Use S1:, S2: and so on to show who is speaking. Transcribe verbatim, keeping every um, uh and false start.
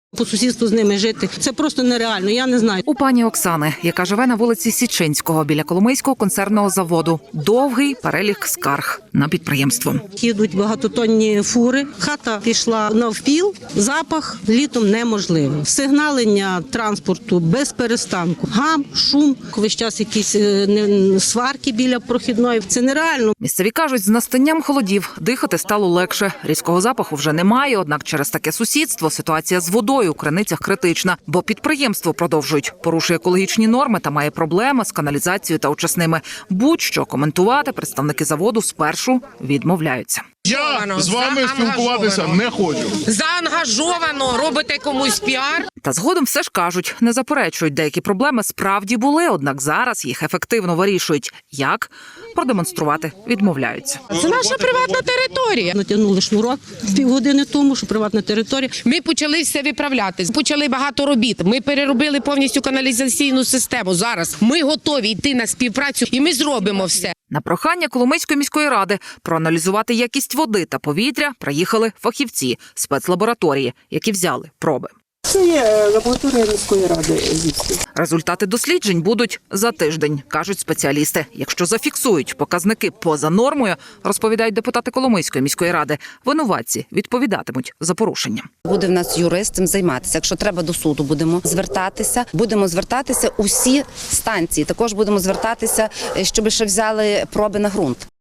S1: По сусідству з ними жити – це просто нереально, я не знаю.
S2: У пані Оксани, яка живе на вулиці Січинського біля Коломийського консервного заводу, довгий перелік скарг на підприємство.
S1: Їдуть багатотонні фури, хата пішла навпіл, запах літом неможливий. Сигналення транспорту без перестанку, гам, шум, весь час якісь сварки біля прохідної. Це нереально.
S2: Місцеві кажуть, з настанням холодів дихати стало легше. Різкого запаху вже немає, однак через таке сусідство ситуація з водою у криницях критична, бо підприємство, продовжують, порушує екологічні норми та має проблеми з каналізацією та очисними. Будь-що коментувати представники заводу спершу відмовляються.
S3: Я з вами спілкуватися не хочу.
S4: Заангажовано робите комусь піар.
S2: Та згодом все ж кажуть, не заперечують, деякі проблеми справді були, однак зараз їх ефективно вирішують. Як? Продемонструвати відмовляються.
S4: Це наша приватна територія.
S1: Натягнули шнурок півгодини тому, що приватна територія.
S4: Ми почали все виправляти, почали багато робіт. Ми переробили повністю каналізаційну систему. Зараз ми готові йти на співпрацю і ми зробимо все.
S2: На прохання Коломийської міської ради проаналізувати якість води та повітря приїхали фахівці спецлабораторії, які взяли проби.
S5: Це є лабораторія міської ради.
S2: Результати досліджень будуть за тиждень, кажуть спеціалісти. Якщо зафіксують показники поза нормою, розповідають депутати Коломийської міської ради, винуватці відповідатимуть за порушення.
S6: Буде в нас юрист цим займатися. Якщо треба, до суду будемо звертатися. Будемо звертатися усі станції. Також будемо звертатися, щоб ще взяли проби на ґрунт.